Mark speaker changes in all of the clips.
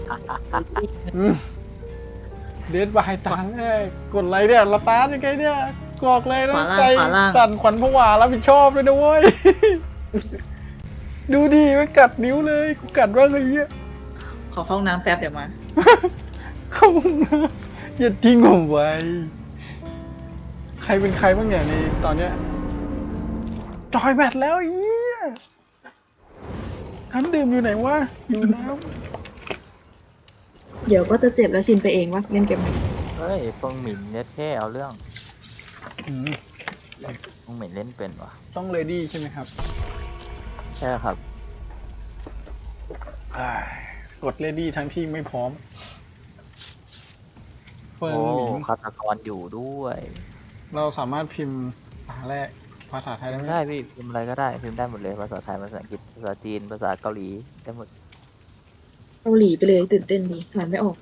Speaker 1: เดดบายตาแรกกดไลค์เนี่ยละตายังไงเนี่ยกรอกเลยนะใจสั่นขวัญผวารับผิดชอบเลยนะเว้ยดูดิไม่กัดนิ้วเลยกูกัดว่าไงเงี้ย
Speaker 2: ขอเข้าห้องน้ำแป๊บเดี๋ยวมา
Speaker 1: เข้าห้องน้ำอย่าทิ้งผมไว้ใครเป็นใครบ้างเนี่ยในตอนเนี้ยจอยแบตแล้วเอี้ยน้ำดื่มอยู่ไหนวะอยู่น้
Speaker 3: เดี๋ยวก็จะเจ็บแล้วชินไปเองวะเล่นเกม
Speaker 4: เฮ้ยฟงหมินเนี่ยแค่เอาเรื่อง
Speaker 1: ำ
Speaker 4: ฟงหมินเล่นเป็นวะ
Speaker 1: ต้องเลดี้ใช่ไหมครับ
Speaker 4: ใช่ครับ
Speaker 1: กดเลดี้ทั้งที่ไม่พร้อมเฟิร์น
Speaker 4: โอ้
Speaker 1: หมิง
Speaker 4: ฆาตกรอยู่ด้วย
Speaker 1: เราสามารถพิมพ์ภาษาไทยได้ไหม
Speaker 4: ได้พี่พิมพ์อะไรก็ได้พิมพ์ได้หมดเลยภาษาไทยภาษาอังกฤษภาษาจีนภาษาเกาหลีได้หมด
Speaker 3: เกาหลีไปเลยตื่นเต้นดีอ่านไม่ออก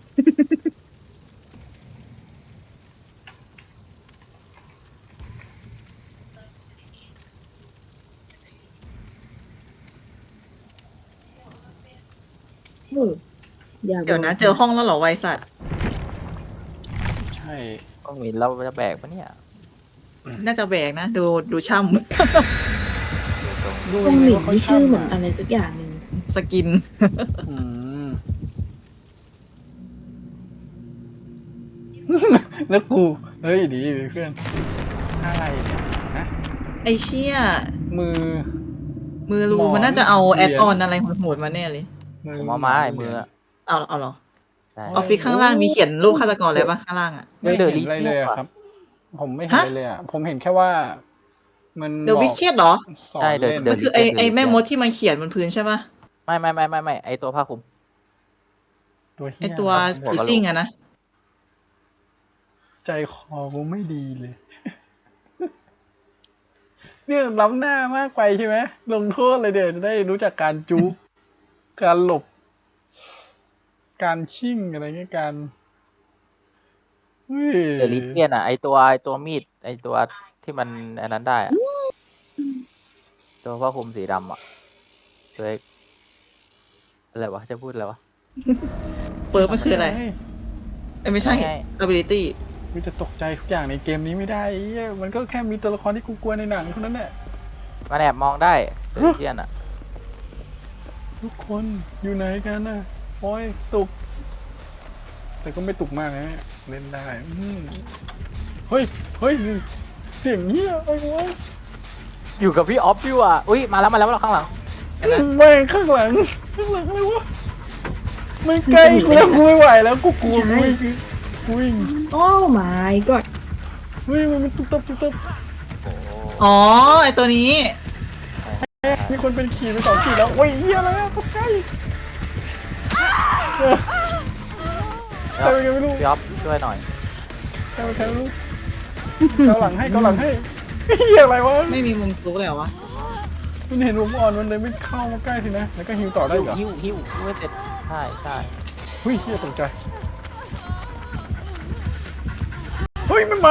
Speaker 3: โอ้อยาก
Speaker 2: เดี๋ยวนะเจอห้องแล้วเหรอไวสัตว์
Speaker 1: ใช่
Speaker 4: ฟงหมินเราจะแบกปะเนี่ย
Speaker 2: น่าจะแบกนะดูช่
Speaker 4: ดูทรง
Speaker 1: ดู
Speaker 3: ตรงหลิน
Speaker 1: ว่าเขา
Speaker 3: นี่ชื่อเหมือน
Speaker 1: ช่ำ
Speaker 3: อะไรสักอย่างหนึ่ง
Speaker 2: ำสกิน
Speaker 1: อืม แล้วกูเฮ้ยดีเพื่อนอะไรเนี่ยนะ
Speaker 2: ไอเชี่ย
Speaker 1: มือ
Speaker 2: มือรู
Speaker 1: หมอน
Speaker 2: มันน่าจะเอา
Speaker 1: เหรี
Speaker 2: แอย
Speaker 1: ญ
Speaker 2: ดออนอะไรโหดๆมาแน่เลย
Speaker 4: ผมเอาไม้มืออะ
Speaker 2: เอาเหรอ
Speaker 4: ใช่
Speaker 2: ออฟฟิศข้างล่างมีเขียนรูปฆาตกรอะไรปะข้างล่างอ่ะ
Speaker 1: ไม่
Speaker 4: เด
Speaker 1: เห็
Speaker 4: อะ
Speaker 1: น
Speaker 4: ลี
Speaker 1: อะไร
Speaker 4: เจีย
Speaker 1: เลย
Speaker 4: น
Speaker 1: อะ
Speaker 4: ว่ะ
Speaker 1: ครับ ผมไม่เห็นอะไรเลยอะผมเห็นแค่ว่า มัน
Speaker 2: เดอะ
Speaker 1: บ
Speaker 2: วิ
Speaker 1: อก
Speaker 2: เคทเหรอ
Speaker 1: สอน
Speaker 4: ใช่
Speaker 1: เล่น
Speaker 4: เด
Speaker 2: มั
Speaker 4: อะ
Speaker 2: นคือไอแม่มดที่มันเขียนบนพื้นใช่ปะ
Speaker 4: ไม่ไอตัวผ้าคลุม
Speaker 1: ตัว
Speaker 2: ไอ
Speaker 1: เหี้ย
Speaker 2: ตัว
Speaker 4: หัว
Speaker 2: คือก
Speaker 4: ะโหลก
Speaker 2: ซิ่งอะนะ
Speaker 1: ใจคอกูไม่ดีเลย เนี่ยล้ำหน้ามากไปใช่ไหมลงโทษเลยเดี๋ยวจะได้รู้จักการจุก การหลบ การชิ่งอะไรเงี้ยการฮ้ย
Speaker 4: เดอะลีเจียนอ่ะไอตัวมีดไอตัวที่มันอันนั้นได้อะตัวผ้าคลุมสีดำอ่ะตัวเอกอะไรวะจะพูดอะไรวะ
Speaker 2: เปิร์มันคืออะไรเอ้ยไม่ใช่
Speaker 4: ไม่
Speaker 2: ability
Speaker 1: กูจะตกใจทุกอย่างในเกมนี้ไม่ได้ไอ้เหี้ยมันก็แค่มีตัวละครที่กูกลัวในหนังเท่านั้นแหละ
Speaker 4: มันแอบมองได้เดอะลีเจียนอ่ะ
Speaker 1: ทุกคนอยู่ไหนกันน่ะโอ้ยตุก แต่ก็ไม่ตุกมากนะเล่นได้เฮ้ยเสียงเหี้ยไอ้วะ
Speaker 4: อยู่กับพี่ออฟอยู่อ่ะอุ้ยมาแล้วเราข้างหลัง
Speaker 1: ไม่ข้างหลังอะไรวะไม่ใกล้กูแล้วกูไม่ไหวแล้วกูกลัวกูวิ่ง
Speaker 3: โอ้ my god
Speaker 1: เฮ้ยมันตุ๊บตับ
Speaker 4: โอ้
Speaker 2: อ๋อไอตัวนี้
Speaker 1: มีคนเป็นขี่ไป2 ขี่แล้วโอ้ยเหี้ยอะไรอะตกใจใครเป็นกันไม่รู้
Speaker 4: พี่ออฟช่วยหน่อย
Speaker 1: ใครไม่รู้เกาหลังให้เหี้ยอะไรวะ
Speaker 2: ไม่มีมุมซุกเลยเหรอวะ
Speaker 1: มันเห็นผมอ่อนมันเลยไม่เข้ามาใกล้สินะแล้วก็ฮิวต่อได้เหรอ
Speaker 4: หิวไม่เสร็จใช่
Speaker 1: เฮ้ยเหี้ยตกใจเฮ้ยมันมา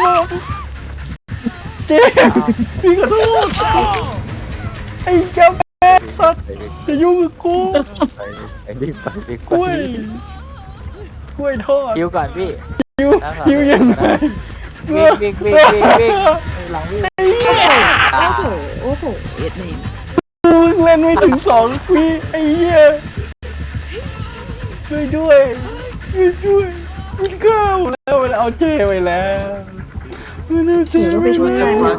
Speaker 1: เจ๊พี่ขอโทษไอ้เจ้าแม่สัตว์จะยุ่งกับกู
Speaker 4: ไอ้รีบไปดี
Speaker 1: กล้วยทอด
Speaker 4: หิวก่อนพี่
Speaker 1: หิวยังไง
Speaker 4: วิ่งหลังวิ่ง
Speaker 3: โอ้โหโอ้โหเอ็ดเนม
Speaker 1: มึงเล่นไม่ถึง2 ปีไอ้เหี้ยช่วยด้วยมันเข้าแล้วมันเอาเจ้ไปแล้วมันเอาเจ้
Speaker 3: เดี๋ยว
Speaker 1: ไป
Speaker 3: ไปช่วย
Speaker 1: แล้
Speaker 3: กัน
Speaker 1: ว
Speaker 3: นะ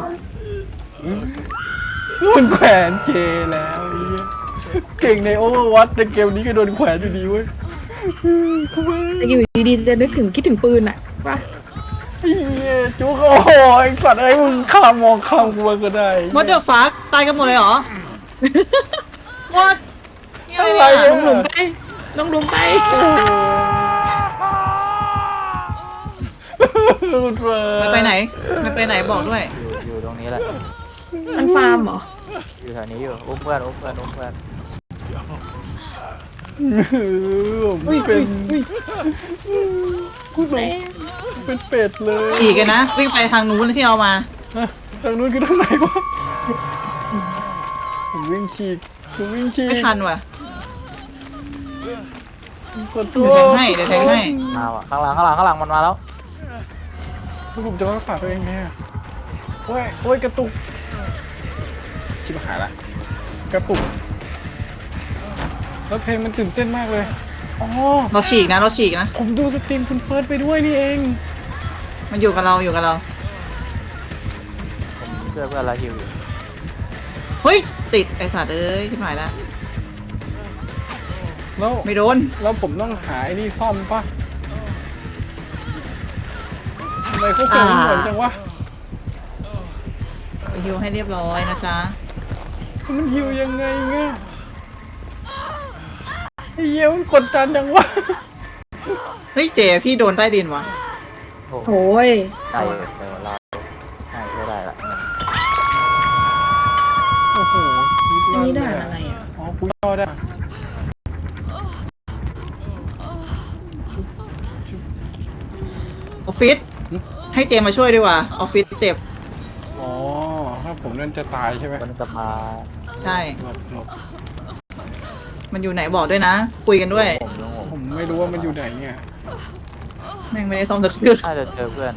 Speaker 1: มันแขวนเจแล้วไอ้เหี้ยเก่งในโอเวอร์วัตในเกมนี้ก็โดนแขวนอยู่ดีเว้ย
Speaker 3: แต่อยู่ดีๆจะนึกถึงคิดถึงปืนอะป่ะ
Speaker 1: ไอ้เหี้ยจุกโอ้โหไอ้สัตว์ไอ้มึงมองข้ามกูมาก็ได้
Speaker 2: What the fuck ตายกันหมดเลยเหรอ What นี่
Speaker 1: อะ
Speaker 2: อะไร ไร
Speaker 1: อะ
Speaker 2: เนี่ย
Speaker 3: ลงไปลงไป
Speaker 2: มันไปไหนมันไปไหนบอกด้วย
Speaker 4: อยู่ตรงนี้แหละ
Speaker 3: มันฟาร์มเหรอ
Speaker 4: อยู่แถวนี้อยู่อุ้มเพื่อน
Speaker 1: ไม่เป็นกูหลงเป็นเป็ดเลย
Speaker 2: ฉีกกันนะ วิ่งไปทางนู้นที่เรามา
Speaker 1: ทางนู้นคือทางไหนวะผมวิ่งฉีก
Speaker 2: ไม่ทันว่ะ
Speaker 1: ขอโท
Speaker 2: เดี๋ยวแท
Speaker 1: ษ
Speaker 2: งให้เดี๋ยวแทงให้
Speaker 4: มาว่ะข้างหลังมันมาแล้ว
Speaker 1: ผมจะรักษาตัวเองไงอะโอ้ยกระตุกชิบหายละกระตุกแล้วเพลงมันตื่นเต้นมากเลยอ๋อ
Speaker 2: เราฉีกนะเราฉีกนะ
Speaker 1: ผมดูสตรีมคุณเฟิร์สไปด้วยนี่เอง
Speaker 2: มันอยู่กับเราอยู่กับเรา
Speaker 4: ผมเพื่อนละฮิวอยู่
Speaker 2: เฮ้ยติดไอสัตว์เอ้ยที่หมายแล้ว
Speaker 1: แล้ว
Speaker 2: ไม่โดน
Speaker 1: แล้วผมต้องหาไอ้นี่ซ่อมปะทำไมเขาเก่งเหมือนจังวะ
Speaker 2: ไปฮิวให้เรียบร้อยนะจ๊ะ
Speaker 1: มันหิวยังไงเงี้ยไอ้เหี้ยมันกดดันจังวะ
Speaker 2: เฮ้ยเจพี่โดนใต้ดินวะ
Speaker 4: โอ้โห
Speaker 3: โอ้ย
Speaker 4: ได้เลยเดี๋ยวเราให้ช่วยได้ละ
Speaker 1: โอ้โห
Speaker 3: อันนี้ด่านอะไรอ่ะ
Speaker 1: อ๋อกูย่อได้
Speaker 2: ออฟฟิศให้เจมาช่วยดีกว่าออฟฟิศเจ็บ
Speaker 1: อ๋อถ้าผมนั่นจะตายใช่ไหม
Speaker 4: มันจะมา
Speaker 2: ใช่
Speaker 1: หลบหลบ
Speaker 2: มันอยู่ไหนบอกด้วยนะ คุยกันด้วย
Speaker 1: ผมไม่รู้ว่ามันอยู่ไหนเนี่ย
Speaker 2: แม่งไม่ได้ซ่อมสักเครื่อง
Speaker 4: น่าจะเจอเพื่อน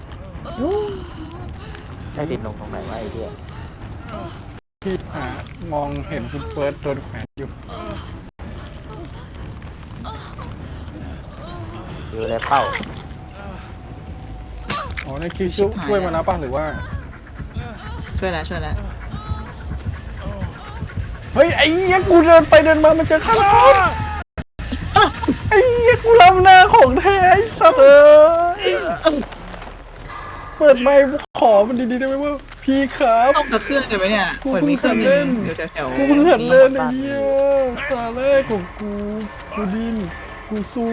Speaker 4: ใช่ดินลงตรงไหนวะไอ้เหี้ย
Speaker 1: ที่มองเห็นคุณเฟิร์สโดนแขวนอยู่
Speaker 4: อยู่เลยเป้า
Speaker 1: อ๋อนั่นคือช่วยมาแล้วป่ะหรือว่า
Speaker 2: ช่วยแล้วช่วยแล้ว
Speaker 1: เฮ้ยไอ้เหี้ยกูเดินไปเดินมามันเจอข้างหลังไอ้เหี้ยกูลำหน้าของแท้ไอ้สัตว์เอ้ยเปิดไมค์ขอมันดีๆได้ไหมว่าพี่ครับ
Speaker 2: ซ่อมสักเครื่องเดี๋ยวไหมเนี่ย
Speaker 1: กู
Speaker 2: เหมือนมีเครื่องห
Speaker 1: เพิ่
Speaker 2: นึ
Speaker 1: ง
Speaker 2: ง
Speaker 1: เล่น
Speaker 2: อยู่แถวๆ
Speaker 1: กูเพิ่งหัดเล่นไอ้เหี้ยตาแรกของกูดิ้นกูสู้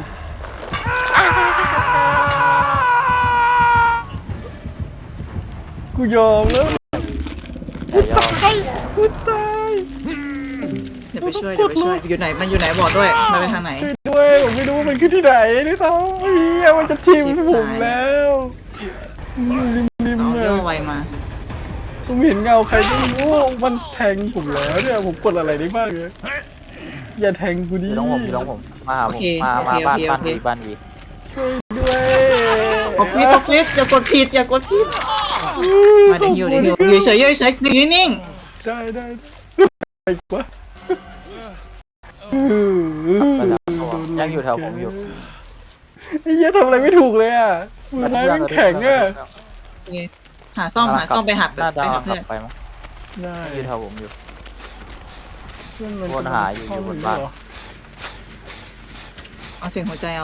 Speaker 1: กูยอมแล้ว
Speaker 4: อย่ายอม
Speaker 1: กูตาย
Speaker 2: เดี๋ยวไปช่วยเดี๋ยวไปช่วยอยู่ไหนมันอยู่ไหนบอกด้วยมันไปทางไหน
Speaker 1: ช่วยด้วยผมไม่รู้ว่ามันคือที่ไหนด้วยซ้ำไอ้เหี้ยมันจะทิ่มผมแล้วอยู่ริม
Speaker 2: เอา
Speaker 1: ๆเล
Speaker 2: ย่อย ไวมา
Speaker 1: ผมเห็นเงาใครไม่รู้มันแทงผมแล้วเนี่ยผมกดอะไรได้บ้างเนี่ยอย่าแทงกูดิ
Speaker 4: อยู่ตรงผมมาหา
Speaker 2: โอ
Speaker 4: ผม
Speaker 2: เค
Speaker 4: มา
Speaker 2: โอเค
Speaker 4: บ้าน
Speaker 2: โอเค
Speaker 4: บ้านวี
Speaker 1: ช่วยด้วย
Speaker 2: ออฟฟิศออฟฟิศอย่ากดผิดอย่ากดผิดมาเดี๋ยวหิวเดี๋ยวหิวอยู่เฉยๆเฉยๆนิ่ง
Speaker 1: ได้ไปกว่า
Speaker 4: ไปแล้วยังอยู่แถวผมอยู่
Speaker 1: ไอ้เหี้ยทำอะไรไม่ถูกเลยอ่ะมือไม้มันแข็งอ่ะ
Speaker 2: ๆโอเคหาซ่อมไปหัด
Speaker 4: น่าจะ
Speaker 2: ไปหา
Speaker 4: ขั
Speaker 2: เพื่อบ น
Speaker 4: ไปมั้ง
Speaker 1: ได้
Speaker 4: อยู่แถวผมอยู่
Speaker 1: เพื่อนมัน
Speaker 4: วนหาอยู่บนบ้าน
Speaker 2: เอาเสียงหัวใจเอา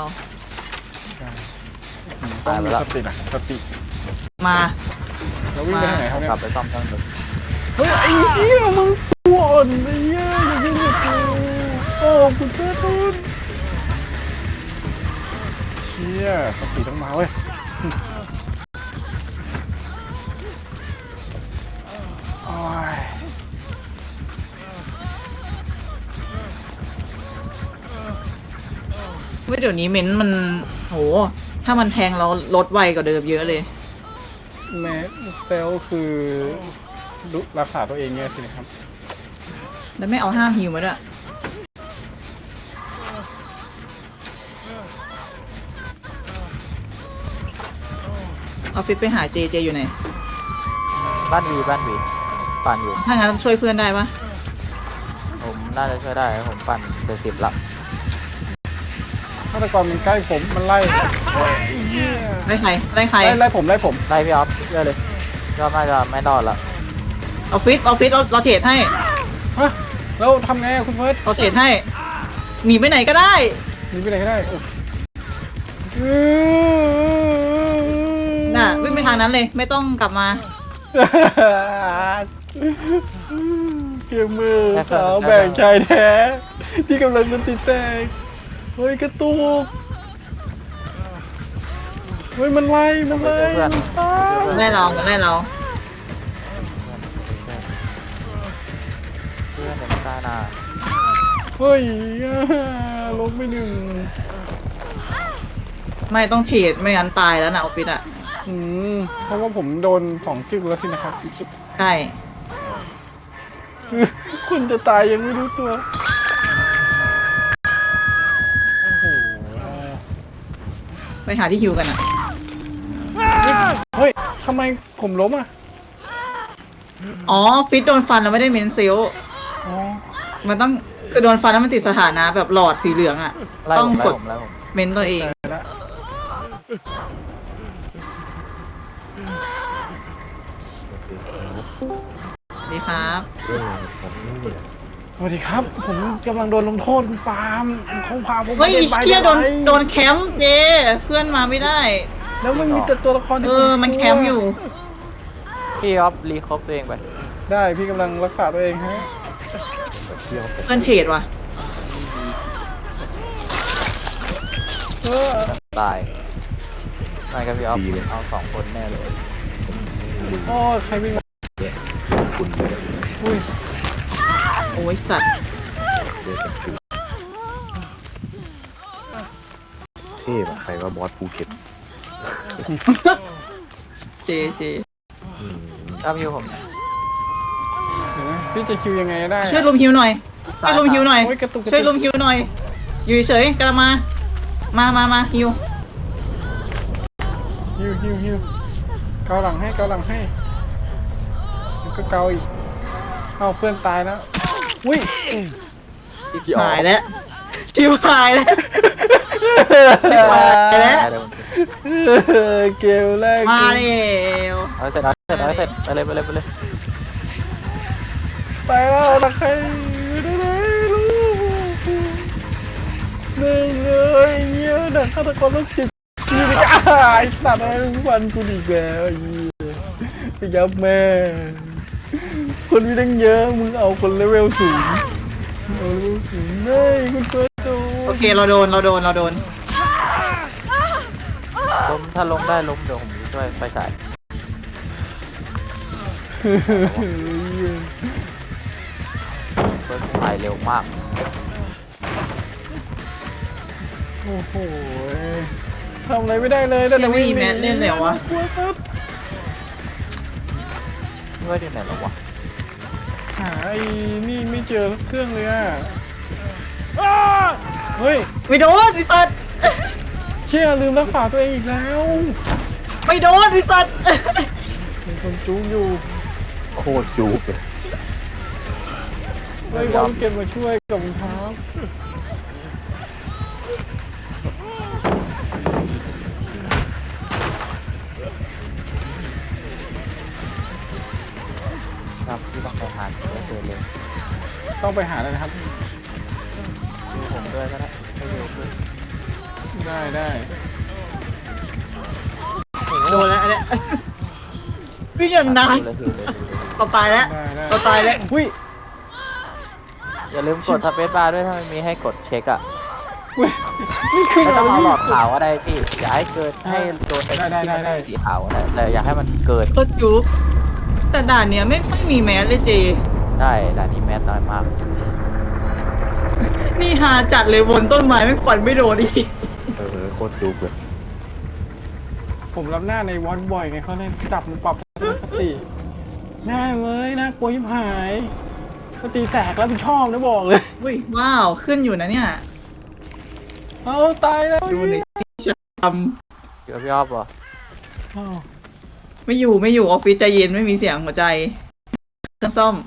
Speaker 1: ต้องมีสตินะสติ
Speaker 2: มา
Speaker 1: แล้ววิ่งไปทางไหนเขาเนี่ย
Speaker 4: กลับไปซ่อมเครื่องดึก
Speaker 1: เฮ้ยไอ้เหี้ยมึงตัวอ่อนไอ้เหี้ยอย่ายุ่งกับกูโอ้คุณเจ้าทุนเชี่ยสติต้องมาเว้ยโอ้ย
Speaker 2: เว้ยเดี๋ยวนี้เม้นต์มันโหถ้ามันแทงเราลดไวกว่าเดิมเยอะเลย
Speaker 1: แม้เซลล์คือรักษาตัวเองเนี่ยสินะครับ
Speaker 2: แล้วไม่เอาห้ามฮิวมาด้วยออฟฟิศไปหาเจอยู่ไหน
Speaker 4: บ้านวีปั่นอยู่
Speaker 2: ถ้างั้นช่วยเพื่อนได้ปะ
Speaker 4: ผมน่าจะช่วยได้ผมปั่น70ละ
Speaker 1: ฆาตกรมันใกล้ผมมันไล่โอ้ยไอ้เหี้ย
Speaker 2: ได้ใครได้ใคร
Speaker 1: ไล่ผม
Speaker 4: ไล่พี่ออฟเชื่อเลยยอดน่าจะไม่รอดละ
Speaker 2: ออฟฟิศเราเทรดให้
Speaker 1: ฮะแล้วทำไงอะคุณเฟิร์ส
Speaker 2: เราเทรดให้หนีไปไหนก็ได้
Speaker 1: หนีไปไหนก็ได้โอ้
Speaker 2: น่ะวิ่งไปทางนั้นเลยไม่ต้องกลับมา
Speaker 1: เกมมือสาวแบ่งชายแท้ที่กำลังจะติดแตกเฮ้ยกระตุกเฮ้ยมันไล่มันไล่
Speaker 4: เพื่อน
Speaker 2: ไล่เราไล่เรา
Speaker 4: เพื่อนเดี๋ยวไม่ตายนะ
Speaker 1: เฮ้ยลบไปหนึ่ง
Speaker 2: ไม่ต้องเทรดไม่งั้นตายแล้วนะออฟฟิศอ่ะ
Speaker 1: เพราะว่าผมโดน2 จึ๊กแล้วสินะครับ
Speaker 2: ใช่
Speaker 1: คุณจะตายยังไม่รู้ตัว
Speaker 2: ไปหาที่ฮิวกันอ่ะ
Speaker 1: เฮ้ยทำไมผมล้มอ่ะ
Speaker 2: อ๋อฟิตโดนฟันแล้วไม่ได้เมนเซล
Speaker 1: อ๋อ
Speaker 2: มันต้องคือโดนฟันแล้วมันติดสถานะแบบหลอดสีเหลืองอ่ะ
Speaker 4: ไล่
Speaker 2: ต้อง
Speaker 4: ผมไล่
Speaker 2: กด
Speaker 4: ผมไล่ผม
Speaker 2: เมนตัวเอง
Speaker 1: ได้ละ
Speaker 2: ดีครับ
Speaker 1: สวัสดีครับ ผมกำลังโดนลงโทษคุณปาล์มเขาพาผม
Speaker 2: เฮ้ย
Speaker 1: ไป
Speaker 2: เชี่ยโดน
Speaker 1: ทำไม
Speaker 2: โดนแคมป์เจเพื่อนมาไม่ได้
Speaker 1: แล้วมันมีแต่ตัวละครที่
Speaker 2: มันแคมป์อยู่
Speaker 4: พี่ออฟรีครบตัวเองไป
Speaker 1: ได้พี่กำลังรักษาตัวเองฮะ
Speaker 2: เพื่อนเทรดว่ะ
Speaker 1: เออ
Speaker 4: ตายไม่กับพี่ออฟเอา2 คนแน่เลย
Speaker 1: โอ้ใครวิ่งมาอุ้ย
Speaker 2: โอ้ยสัตว์
Speaker 5: เท่ป่ะใครว่าบอสภูเก็ต
Speaker 2: เจ
Speaker 4: ถ้าพี่ผม
Speaker 1: เห็นไหมพี่จะคิวยังไงได้
Speaker 2: ช่วยลุมฮิวหน่อยช่วยลุมฮิวหน่อย
Speaker 1: โอ้ยกระตุกกระตุก
Speaker 2: ช่วยลุมฮิวหน่อย อยู่เฉยๆกำลังมาฮิว
Speaker 1: ฮิวเกาหลังให้แล้วก็เกาอีกเอาเพื่อนตายแล้วอุ้ย
Speaker 2: หายแล้วชิวหายแล้ว แล้ว
Speaker 1: เกมแรก
Speaker 2: มาเร็ว
Speaker 4: เอาเสร็จไปเลยไปเลย
Speaker 1: ไปแล้วนะใครไม่ได้ลูกหนึ่งเลยเงี้ยเด็กฆาตกรต้องจิตนี่ไปไอ้สัตว์อะไรทุกวันกูดีกแล้วไอ้เหี้ยไปยับแม่คนมีตั้งเยอะมึงเอาคนเลเวลสูงเอาเลเวลสูงไม่คุณเฟิร์สโต
Speaker 2: โอเคเราโดน
Speaker 4: ล้มถ้าล้มได้ล้มเดี๋ยวผมช่วยไฟฉายเฟิร์สตายเร็วมาก
Speaker 1: โอ้โหทำอะไรไม่ได้เลย
Speaker 2: เชี่ยไม่มีแมสเล่นเลยเหรอวะ
Speaker 1: กลัวครับ
Speaker 4: นี่ว่าที่ไหนแล้ววะ
Speaker 1: หาไอ้นี่ไม่เจอเครื่องเลยอ่ะเฮ้ย
Speaker 2: ไม่โดนไอ้สัตว์
Speaker 1: เชี่ยลืมรักษาตัวเองอีกแล้ว
Speaker 2: ไม่โดนไอ้สัตว์
Speaker 1: มีคนจูงอยู่
Speaker 5: โคตรจูบเลย
Speaker 1: เฮ้ยเขาเก็บมาช่วยกับรองเท้า
Speaker 4: ครับที่ต้องไปหาไม่เจอเลย
Speaker 1: ต้องไปหาเลยนะครับ
Speaker 4: ดูผมด้วยก็ได้ให้ดูด้วย
Speaker 1: ได้
Speaker 2: โดนแล้วอันเนี้ยวิ่งอย่างนาน
Speaker 4: เลยเลย
Speaker 2: เราตายแล้ว
Speaker 1: ได้
Speaker 2: เราตายแล้ว
Speaker 1: อุ้ย
Speaker 4: อย่าลืมกดสเปซบาร์ด้วยถ้ามันมีให้กดเช็คอะ
Speaker 1: อุ้ยนี่คือ
Speaker 4: ไม่ต้องเอาหลอด
Speaker 1: ขาว
Speaker 4: ขาวก็ได้พี่อย่าให้เกินให้โดนไอ้
Speaker 1: ได้
Speaker 4: ที่มัน
Speaker 1: ได้
Speaker 4: สีขาวก็ได้แต่อย่าให้มันเกิน
Speaker 2: ก็จุ๊บแต่ด่านเนี้ยไม่ค่อยมีแมสเลยเจ
Speaker 4: ได้แต่นี้แมสน้อยมาก
Speaker 2: นี่ฮาจัดเลยบนต้นไม้ไม่ฟันไม่โดนอีก
Speaker 5: โคตรจูบเลย
Speaker 1: ผมรับหน้าในวอนบ่อยไงเขาเลยจับมันปรับสติแน่เลยนะกลัวยิบหายสติแตกแล้วผิดชอบนะบอกเลย
Speaker 2: อุ้ยว้าวขึ้นอยู่นะเนี่ย
Speaker 1: เอาตายแล้ว
Speaker 2: ดูในซีชท
Speaker 4: เดี๋ยวพี่ออฟเหรอ
Speaker 1: อ้าว
Speaker 2: ำไม่อยู่ออฟฟิศใจเย็นไม่มีเสียงหัวใจเครื่องซ่อม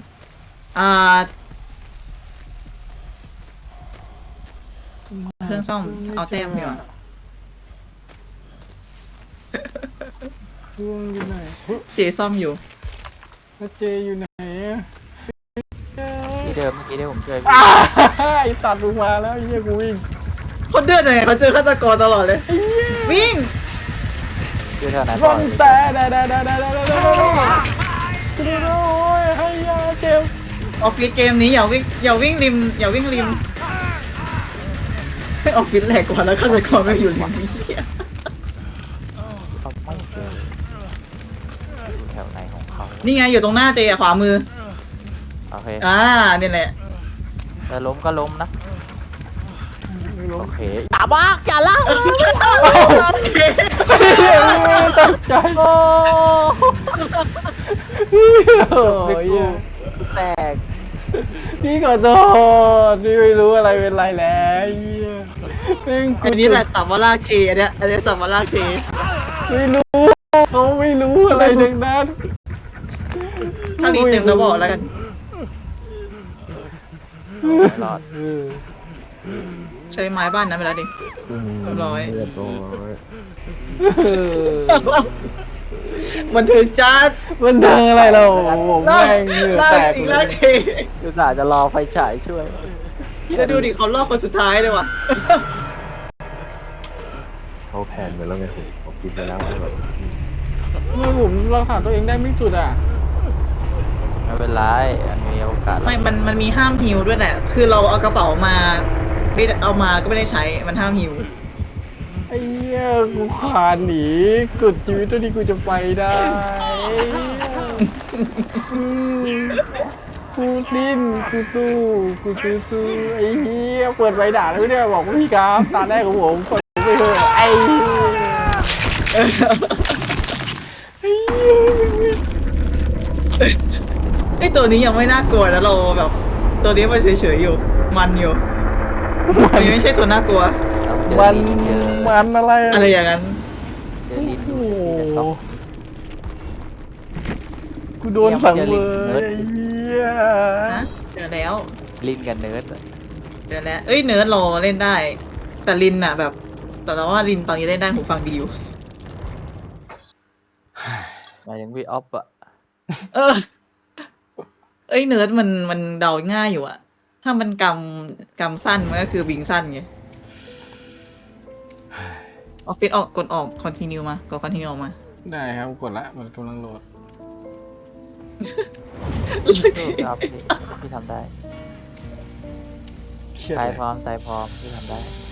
Speaker 2: เครื่องซ่อมเอาแต้มดีกว่า
Speaker 1: เครื่องอยู่ไหน
Speaker 2: เจซ่อมอยู่
Speaker 1: แล้วเจอยู่ไหนอะ
Speaker 4: ที่เดิมเมื่อกี้ที่ผมช่วยพี่
Speaker 1: อ้าไอ้ตัดลงมาแล้วไอ้เหี้ยกูวิ่ง
Speaker 2: เขาเดือดเลยเขาเจอฆาตกรตลอดเลย วิ่ง
Speaker 4: ชื่อเท่านั้น
Speaker 1: รอนแต่โอ้ยให้ยาเจ็บ
Speaker 2: ออฟฟิศเกมนี้อย่าวิ่งริมออฟฟิศแหลกกว่าแล้วฆาตกรไม่อยู่ริมนี่เหี้ย
Speaker 4: เขาไม่เจออยู่แถวไหนของเขา
Speaker 2: นี่ไงอยู่ตรงหน้าเจอะขวามือ
Speaker 4: โอเค
Speaker 2: นี่แหละ
Speaker 4: แต่ล้มก็ล้มนะโอเคอย่าบ้าอย่าล่า
Speaker 1: ตกใจโอ้ย
Speaker 4: แตก
Speaker 1: พี่ขอโทษพี่ไม่รู้อะไรเป็นไรแล้วเหี้ยแม่ง
Speaker 2: อันนี้แหละสัมมาลากเทอันเนี้ยสัมมาลากเท
Speaker 1: ไม่รู้เขาไม่รู้อะไรดังนั้น
Speaker 2: ถ้ารีเต็มแล้วบอกแล้วกัน
Speaker 4: รอด
Speaker 1: เออ
Speaker 2: ใช้ไม้บ้านนั้นไปแล้วดิ เรียบร้อย
Speaker 5: เรียบร้อย
Speaker 1: เออ
Speaker 2: มันถึงจัด
Speaker 1: มันดังอะไรเราผม
Speaker 2: ลาก
Speaker 1: แม่งเหงื่อ
Speaker 2: ลา
Speaker 1: แต
Speaker 2: ก
Speaker 1: ก
Speaker 2: จริง
Speaker 1: เล
Speaker 2: ลาก
Speaker 1: ย
Speaker 2: เท
Speaker 4: คืออาจจะรอไฟฉายช่วย
Speaker 2: แล้วดูดิเขาลอกคนสุดท้ายเลยว่ะ
Speaker 5: เขาแผนไปแล้วไงผมคิดไปแล้วว่าแบบ
Speaker 1: ทำไมผมรักษาตัวเองได้ไม่สุดอ่ะ
Speaker 4: ไม่เป็นไรอันมีโอกาส
Speaker 2: ไม่มันมีห้ามฮิวด้วยแหละ คือเราเอากระเป๋ามาไม่ได้เอามาก็ไม่ได้ใช้ มันห้ามฮิว
Speaker 1: ไอ้เหี้ยกูคลานหนีสุดชีวิตเท่าที่กูจะไปได้อืมกูดิ้นกูสู้กูสู้ไอ้เหี้ยเปิดใบด่าแล้วเนี่ยบอกว่าพี่ครับตาแรกของผมกดไปเถอะไอ้เหี้ยไอ้เหี้ย
Speaker 2: ไอตัวนี้ยังไม่น่ากลัวนะเราแบบ ตัวนี้มันเฉยๆอยู่ มันอยู่มันไม่ใช่ตัวน่ากลัว
Speaker 4: เจอ
Speaker 1: มัน
Speaker 4: ลิ้นเจอ
Speaker 1: มันอะไร
Speaker 2: อะไรอย่างนั้น
Speaker 4: เจอลิ้น
Speaker 1: โอ้
Speaker 4: อยู่
Speaker 1: โห
Speaker 4: ในช็อก
Speaker 1: กูโดนสังเวยไอ้เหี้ย
Speaker 2: นะเจอแล้ว
Speaker 4: ลิ้นกับเนิร์ดอะ
Speaker 2: เจอแล้ว เอ้ยเนิร์ดรอเล่นได้ แต่ลินอะแบบ แต่ว่าลินตอนนี้เล่นได้หูฟังดีอยู่
Speaker 4: หมายถึงพี่ออฟอะ
Speaker 2: เออ เอ้ยเนิร์ดมันเดาง่ายอยู่อะถ้ามันกำสั้นมันก็คือบิงสั้นไงออฟฟิศออกกดออกคอนติเนียมากดคอนติเนียออกมา
Speaker 1: ได้ครับกดละมันกำลังโหลด
Speaker 4: ครับพี่ทำได้
Speaker 1: เครียด
Speaker 4: ใจ
Speaker 1: เลย
Speaker 4: พร้อมใจพร้อมพี่ทำได้